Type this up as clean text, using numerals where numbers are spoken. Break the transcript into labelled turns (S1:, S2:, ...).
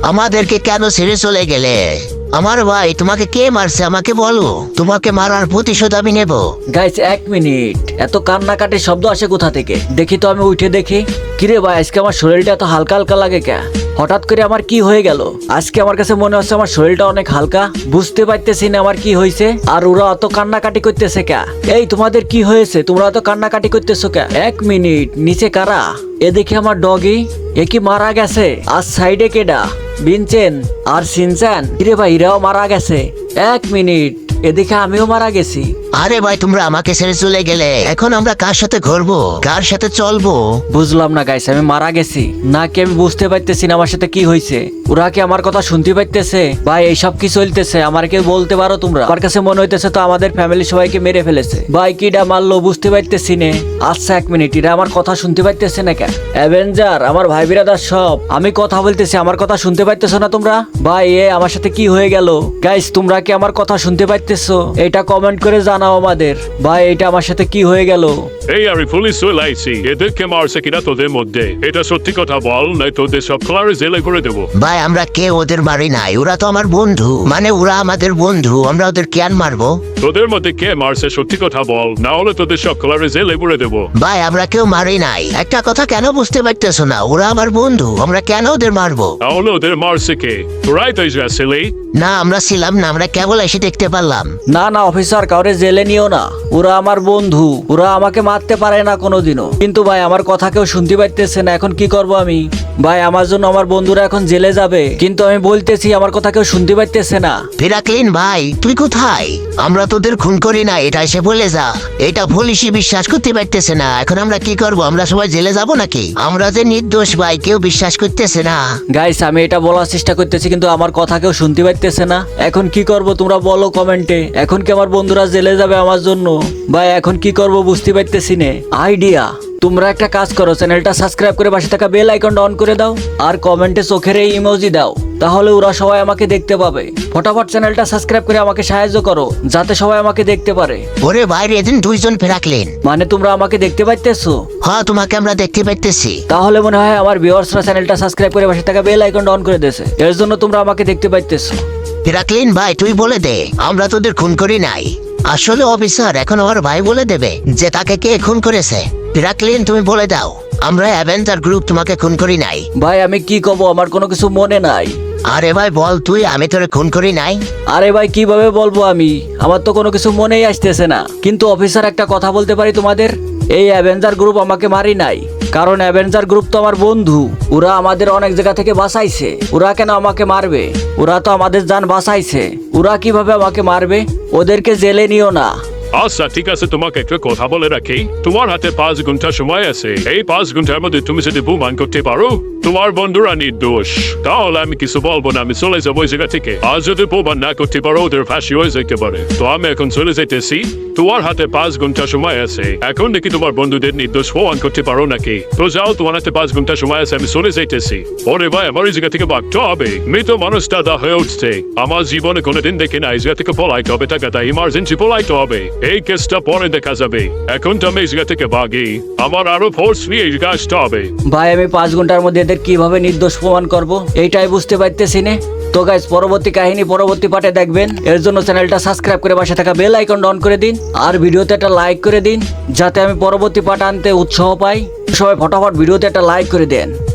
S1: আমাদেরকে কেন ছেড়ে চলে গেলে? আমার ভাই, তোমাকে কে মারছে আমাকে বলো, তোমাকে মারার প্রতিশোধ আমি নেব।
S2: গাইস 1 মিনিট, এত কান্নাকাটির শব্দ আসে কোথা থেকে? দেখি তো, আমি উঠে দেখি। কিরে ভাই, আজকে আমার শরীরটা এত হালকা হালকা লাগে কে? হঠাৎ করে আমার কি হয়ে গেল? আজকে আমার কাছে মনে হচ্ছে আমার শরীরটা অনেক হালকা, বুঝতে পারতেছি না আমার কি হয়েছে। আর ওরা অত কান্নাকাটি করতেছে কে? এই তোমাদের কি হয়েছে? তোমরা অত কান্নাকাটি করতেছো কে? 1 মিনিট, নিচে কারা? এ দেখি আমার ডগি, এ কি মারা গেছে? আর সাইডে কেডা? বিনচেন আর সিনচান, কিরে ভাই এরাও মারা গেছে। 1 মিনিট, এদিকে আমিও মারা গেছি।
S1: আরে ভাই, তোমরা আমাকে ছেড়ে চলে গেলে, এখন আমরা কার সাথে ঘুরবো, কার সাথে চলবো?
S2: বুঝলাম না গাইস, আমি মারা গেছি নাকি আমি বুঝতে পারতেছি না আমার সাথে কি হয়েছে। ওরা কি আমার কথা শুনতে পাইতেছে? ভাই এইসব কি চলতেছে আমার কেউ বলতে পারো তোমরা? আমার কাছে মনে হইতেছে তো আমাদের ফ্যামিলি সবাইকে মেরে ফেলেছে। ভাই কিডা মারলো বুঝতে পারতেছি না। আচ্ছা 1 মিনিট, এরা আমার কথা শুনতে পাইতেছে না কেন? অ্যাভেঞ্জার, আমার ভাই বিরাদার সব, আমি কথা বলতেছি, আমার কথা শুনতে পাইতেছো না তোমরা? ভাই এ আমার সাথে কি হয়ে গেল? গাইস তোমরা কি আমার কথা শুনতে পাইতেছো? এটা কমেন্ট করে জানাও আমাদের। ভাই এটা আমার সাথে কি হয়ে গেল?
S3: এই আমি পুলিশ চলে আইছি, এদেরকে মারছে কিনা তোদের মধ্যে এটা সত্যি কথা বল, নাই তোদের সব ক্লারে জেলে করে দেবো।
S1: ভাই আমরা কেউ ওদের মারি নাই, ওরা তো আমার বন্ধু, মানে ওরা আমাদের বন্ধু, আমরা ওদের কেন মারবো?
S3: তোদের মধ্যে কে মারছে সত্যি কথা বল, না হলে তোদের সব ক্লারে জেলে করে দেবো।
S1: ভাই আমরা কেউ মারি নাই। একটা কথা কেন বুঝতে পারতেছো না? ওরা আমার বন্ধু, আমরা কেন ওদের মারবো?
S3: তাহলে ওদের মারছে কে? তোরাই তো আসলে।
S1: না আমরা ছিলাম না, আমরা কেবল এসে দেখতে পারলাম।
S2: না না অফিসার, কাউরে জেলে নিও না, ওরা আমার বন্ধু, ওরা আমাকে মারতে পারে না কোনোদিনও। কিন্তু ভাই আমার কথা কেউ শুনতে পাইতেছে না, এখন কি করব আমি? ভাই আমার জন্য আমার বন্ধুরা এখন জেলে যাবে, কিন্তু আমি বলতেছি আমার কথা কেউ শুনতে পাইতেছে না।
S1: ফিরাকলিন ভাই, তুই কোথায়? আমরা তোদের খুন করি না, এটা এসে বলে যা। এটা পুলিশই বিশ্বাস করতে পারতেছে না, এখন আমরা কি করব? আমরা সবাই জেলে যাব নাকি? আমরা যে নির্দোষ ভাই, কেউ বিশ্বাস করতেছে না।
S2: গাইস আমি এটা বলার চেষ্টা করতেছি কিন্তু আমার কথা কেউ শুনতে পাইতেছে না। এখন কি করব তোমরা বলো কমেন্টে। এখন কি আমার বন্ধুরা জেলে যাবে আমার জন্য? ভাই এখন কি করব বুঝতে পারতেছি না। আইডিয়া, তোমরা একটা কাজ করো, চ্যানেলটা সাবস্ক্রাইব করে পাশে থাকা বেল আইকনটা অন করে দাও, আর কমেন্টে চোখের এই ইমোজি দাও, তাহলে ওরা সবাই আমাকে দেখতে পাবে। ফটাফট চ্যানেলটা সাবস্ক্রাইব করে আমাকে সাহায্য করো, যাতে সবাই আমাকে দেখতে পারে।
S1: ওরে বাইরে এদিন দুইজন ফিরাকলিন।
S2: মানে তোমরা আমাকে দেখতে পাইতেছো?
S1: হ্যাঁ তোমাকে আমরা দেখতে পাইতেছি।
S2: তাহলে মনে হয় আমার ভিউয়ার্সরা চ্যানেলটা সাবস্ক্রাইব করে পাশে থাকা বেল আইকনটা অন করে দিয়েছে, এর জন্য তোমরা আমাকে দেখতে পাইতেছো।
S1: ফিরাকলিন ভাই তুই বলে দে, আমরা তোদের খুন করি নাই। আসলে অফিসার এখন আমার ভাই বলে দেবে যে তাকে কে খুন করেছে। ফিরাকলিন তুমি বলে দাও, আমরা অ্যাভেঞ্জার গ্রুপ তোমাকে খুন করি নাই।
S2: ভাই আমি কি কব, আমার কোনো কিছু মনে নাই।
S1: আরে ভাই বল তুই, আমি তোরে খুন করি নাই।
S2: আরে ভাই কিভাবে বলবো আমি, আমার তো কোনো কিছু মনেই আসতেছে না। কিন্তু অফিসার একটা কথা বলতে পারি তোমাদের, এই অ্যাভেঞ্জার গ্রুপ আমাকে মারি নাই, কারণ অ্যাভেঞ্জার গ্রুপ তো আমার বন্ধু, ওরা আমাদের অনেক জায়গা থেকে বাঁচাইছে। ওরা কেন আমাকে মারবে? ওরা তো আমাদের জান বাঁচাইছে, ওরা কিভাবে আমাকে মারবে? ওদেরকে জেলে নিও না।
S3: আচ্ছা ঠিক আছে, তোমাকে একটা কথা বলে রাখি, তোমার হাতে 5 ঘন্টা সময় আছে। এই 5 ঘন্টার মধ্যে তুমি যদি প্রমাণ করতে পারো তোমার বন্ধুরা নির্দোষ, তাহলে আমি কিছু বলবো না, আমি চলে যাবো ওই জায়গা থেকে। আর যদি প্রমাণ না করতে পারো ওদের ফাঁসি হয়ে যেতে পারে। তো আমি এখন চলে যেতেছি, তোমার হাতে 5 ঘন্টা সময় আছে। এখন দেখি তোমার বন্ধুদের নির্দোষ প্রমাণ করতে পারো নাকি। তো যাও, তোমার হাতে 5 ঘন্টা সময় আছে, আমি চলে যেতেছি। ওরে ভাই আমার এই জায়গা থেকে ভাগতে হবে, মৃত মানুষ দাদা হয়ে উঠছে। আমার জীবনে কোনোদিন দেখি না, এই জায়গা থেকে পলাইতে হবে, টাকাটা ইমার্জেন্সি পলাইতে হবে। এই কেসটা পরে দেখা যাবে, এখন তো আমি এই জায়গা থেকে ভাগি, আমার আরো ফোর্স নিয়ে এই জায়গায় আসতে হবে।
S2: ভাই আমি 5 ঘন্টার মধ্যে এদের কিভাবে নির্দোষ প্রমাণ করব এইটাই বুঝতে পারতেছি না। তো গাইস পরবর্তী কাহিনী পরবর্তী পার্টে দেখবেন, এর জন্য চ্যানেলটা সাবস্ক্রাইব করে পাশে থাকা বেল আইকন অন করে দিন, আর ভিডিওতে একটা লাইক করে দিন, যাতে আমি পরবর্তী পার্ট আনতে উৎসাহ পাই। সবাই ফটাফট ভিডিওতে একটা লাইক করে দেন।